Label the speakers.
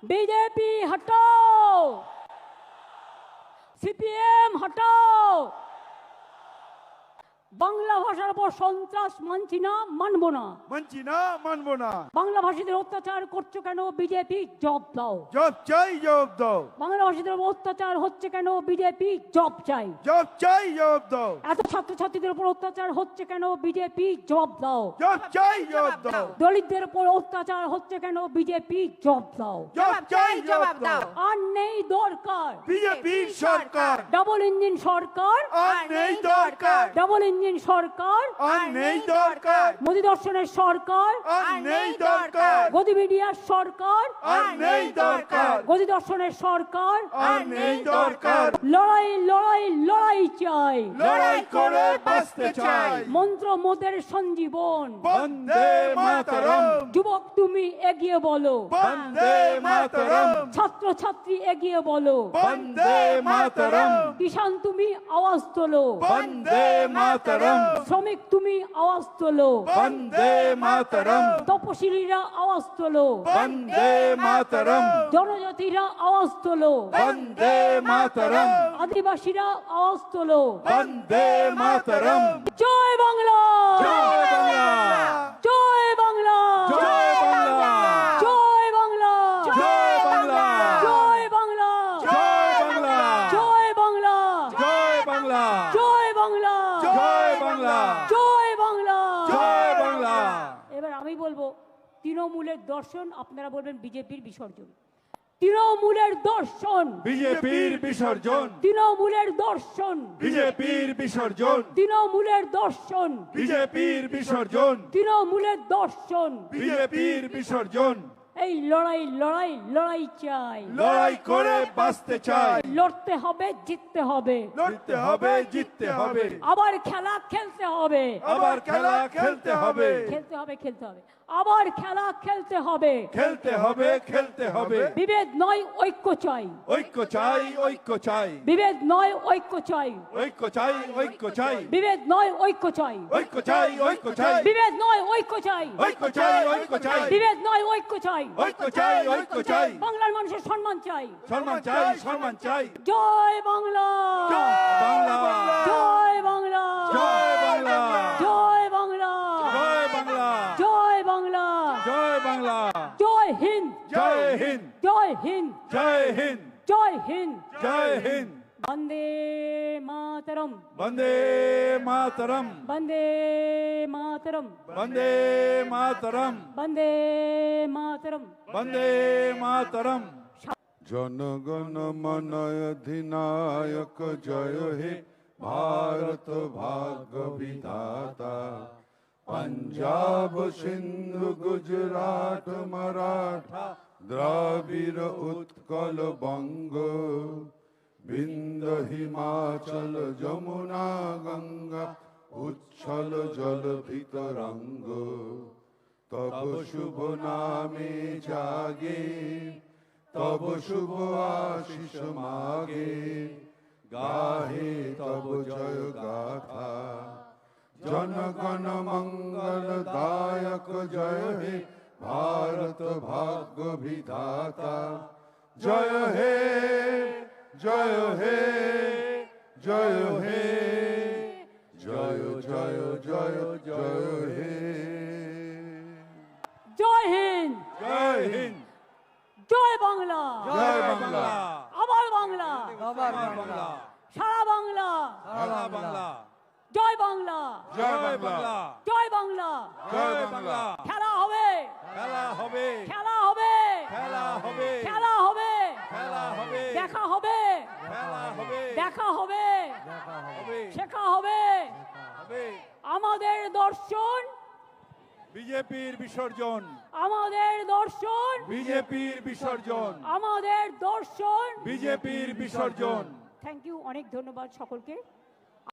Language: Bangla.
Speaker 1: बीजेपी हटाओ, सीपीएम हटाओ। বাংলা ভাষার উপর সন্ত্রাস মানছি না, মানবো না,
Speaker 2: মানছি না, মানবো না।
Speaker 1: বাংলা ভাষীদের অত্যাচার করছো কেন বিজেপি? জবাব দাও।
Speaker 2: জব চাই, জবাব দাও।
Speaker 1: বাংলা ভাষীদের উপর অত্যাচার হচ্ছে কেন বিজেপি? জবাব চাই।
Speaker 2: জব চাই, জবাব দাও।
Speaker 1: এত ছাত্রছাত্রীদের উপর অত্যাচার হচ্ছে কেন বিজেপি? জবাব দাও।
Speaker 2: জব চাই, জবাব দাও।
Speaker 1: দলিতদের উপর অত্যাচার হচ্ছে কেন বিজেপি? জবাব দাও।
Speaker 2: জব চাই, জবাব দাও।
Speaker 1: আর নেই দরকার
Speaker 2: বিজেপির সরকার,
Speaker 1: ডাবল ইঞ্জিন সরকার,
Speaker 2: আর নেই দরকার।
Speaker 1: ডাবল ইঞ্জিন সরকার,
Speaker 2: আর নেই দরকার।
Speaker 1: মোদী দর্শনের সরকার,
Speaker 2: আর নেই দরকার।
Speaker 1: গদি মিডিয়ার সরকার,
Speaker 2: আর নেই দরকার।
Speaker 1: গদি দর্শনের সরকার,
Speaker 2: আর নেই দরকার।
Speaker 1: লড়াই লড়াই লড়াই চাই,
Speaker 2: লড়াই করে বাঁচতে চাই।
Speaker 1: মন্ত্র মোদের সঞ্জীবন।
Speaker 2: বন্দে মাতরম,
Speaker 1: যুবক তুমি এগিয়ে বলো,
Speaker 2: বন্দে মাতরম,
Speaker 1: ছাত্র ছাত্রী এগিয়ে বলো,
Speaker 2: বন্দে মাতরম,
Speaker 1: কিষান তুমি আওয়াজ তোলো,
Speaker 2: বন্দে মাতরম,
Speaker 1: শ্রমিক তুমি আওয়াজ তোলো,
Speaker 2: বন্দে মাতরম,
Speaker 1: তপশিলীরা আওয়াজ তোলো,
Speaker 2: বন্দে মাতরম,
Speaker 1: জনজাতিরা আওয়াজ তোলো,
Speaker 2: বন্দে মাতরম,
Speaker 1: আদিবাসীরা আওয়াজ তোলো।
Speaker 2: বন্দে মাতরম।
Speaker 1: জয় বাংলা,
Speaker 2: জয় বাংলা,
Speaker 1: জয় বাংলা,
Speaker 2: জয় বাংলা,
Speaker 1: জয় বাংলা,
Speaker 2: জয় বাংলা,
Speaker 1: জয় বাংলা,
Speaker 2: জয় বাংলা,
Speaker 1: জয় বাংলা,
Speaker 2: জয় বাংলা,
Speaker 1: জয় বাংলা,
Speaker 2: জয় বাংলা,
Speaker 1: জয় বাংলা,
Speaker 2: জয় বাংলা।
Speaker 1: এবার আমি বলবো তৃণমূলের দর্শন, আপনারা বলবেন বিজেপির বিসর্জন। তৃণমূলের দর্শন,
Speaker 2: বিজেপির বিসর্জন,
Speaker 1: তৃণমূলের দর্শন,
Speaker 2: বিজেপির বিসর্জন,
Speaker 1: তৃণমূলের দর্শন,
Speaker 2: বিজেপির বিসর্জন,
Speaker 1: তৃণমূলের দর্শন।
Speaker 2: বিজেপির বিসর্জন।
Speaker 1: এই লড়াই লড়াই লড়াই চাই,
Speaker 2: লড়াই করে বাঁচতে চাই।
Speaker 1: লড়তে হবে, জিততে হবে,
Speaker 2: লড়তে হবে, জিততে হবে,
Speaker 1: আবার খেলা খেলতে হবে,
Speaker 2: আবার খেলা খেলতে হবে,
Speaker 1: খেলতে হবে, খেলতে হবে, আবার খেলা খেলতে হবে।
Speaker 2: খেলতে হবে, খেলতে হবে।
Speaker 1: বিভেদ নয় ঐক্য চাই,
Speaker 2: ঐক্য চাই, ঐক্য চাই,
Speaker 1: বিভেদ নয় ঐক্য চাই,
Speaker 2: ঐক্য চাই, ঐক্য চাই,
Speaker 1: বিভেদ নয় ঐক্য চাই,
Speaker 2: ঐক্য চাই, ঐক্য চাই,
Speaker 1: বিভেদ নয় ঐক্য চাই,
Speaker 2: ঐক্য চাই, ঐক্য চাই,
Speaker 1: বিভেদ নয় ঐক্য চাই,
Speaker 2: ঐক্য চাই, ঐক্য চাই,
Speaker 1: বাংলার মানুষের সম্মান চাই।
Speaker 2: সম্মান চাই, সম্মান চাই।
Speaker 1: জয় বাংলা,
Speaker 2: বাংলা,
Speaker 1: জয় বাংলা,
Speaker 2: জয় বাংলা,
Speaker 1: জয় বাংলা,
Speaker 2: জয় বাংলা,
Speaker 1: জয় বাংলা,
Speaker 2: জয় বাংলা,
Speaker 1: জয় হিন্দ,
Speaker 2: জয় হিন্দ,
Speaker 1: জয় হিন্দ,
Speaker 2: জয় হিন্দ,
Speaker 1: জয় হিন্দ।
Speaker 2: জয় হিন্দ।
Speaker 1: বন্দে মাতরম,
Speaker 2: বন্দে মাতরম,
Speaker 1: বন্দে মাতরম,
Speaker 2: বন্দে মাতরম,
Speaker 1: বন্দে মাতরম।
Speaker 2: বন্দে মাতরম।
Speaker 3: জনগণ মন অধিনায়ক জয় হে ভারত ভাগ্য বিধাতা। পঞ্জাব সিন্ধু গুজরাট মারাঠা দ্রাবিড় উৎকল বঙ্গ বিন্দ হিমাচল যমুনা গঙ্গা উচ্ছল জল ভিতরঙ্গ। তব শুভ নামে জাগে তব শুভ আশিস মাগে গাহে তব জয় গাথা। জনগণ মঙ্গল দায়ক জয় হে ভারত ভাগ্য বিধাতা। জয় হে জয় হে জয় হে জয় জয় জয় জয় হে।
Speaker 1: জয় হিন্দ,
Speaker 2: জয় হিন্দ,
Speaker 1: জয় বাংলা,
Speaker 2: জয় বাংলা,
Speaker 1: আবার বাংলা,
Speaker 2: আবার বাংলা,
Speaker 1: সারা বাংলা,
Speaker 2: সারা বাংলা,
Speaker 1: জয় বাংলা,
Speaker 2: জয় বাংলা,
Speaker 1: জয় বাংলা।
Speaker 2: জয় বাংলা।
Speaker 1: খেলা হবে,
Speaker 2: খেলা হবে,
Speaker 1: খেলা হবে,
Speaker 2: খেলা হবে,
Speaker 1: খেলা হবে,
Speaker 2: খেলা হবে,
Speaker 1: দেখা হবে,
Speaker 2: খেলা হবে,
Speaker 1: দেখা হবে,
Speaker 2: হবে,
Speaker 1: শেখা হবে।
Speaker 2: হবে।
Speaker 1: আমাদের দর্শন,
Speaker 2: বিজেপির বিসর্জন,
Speaker 1: আমাদের দর্শন,
Speaker 2: বিজেপির বিসর্জন,
Speaker 1: আমাদের দর্শন।
Speaker 2: বিজেপির বিসর্জন।
Speaker 1: থ্যাংক ইউ, অনেক ধন্যবাদ সকলকে।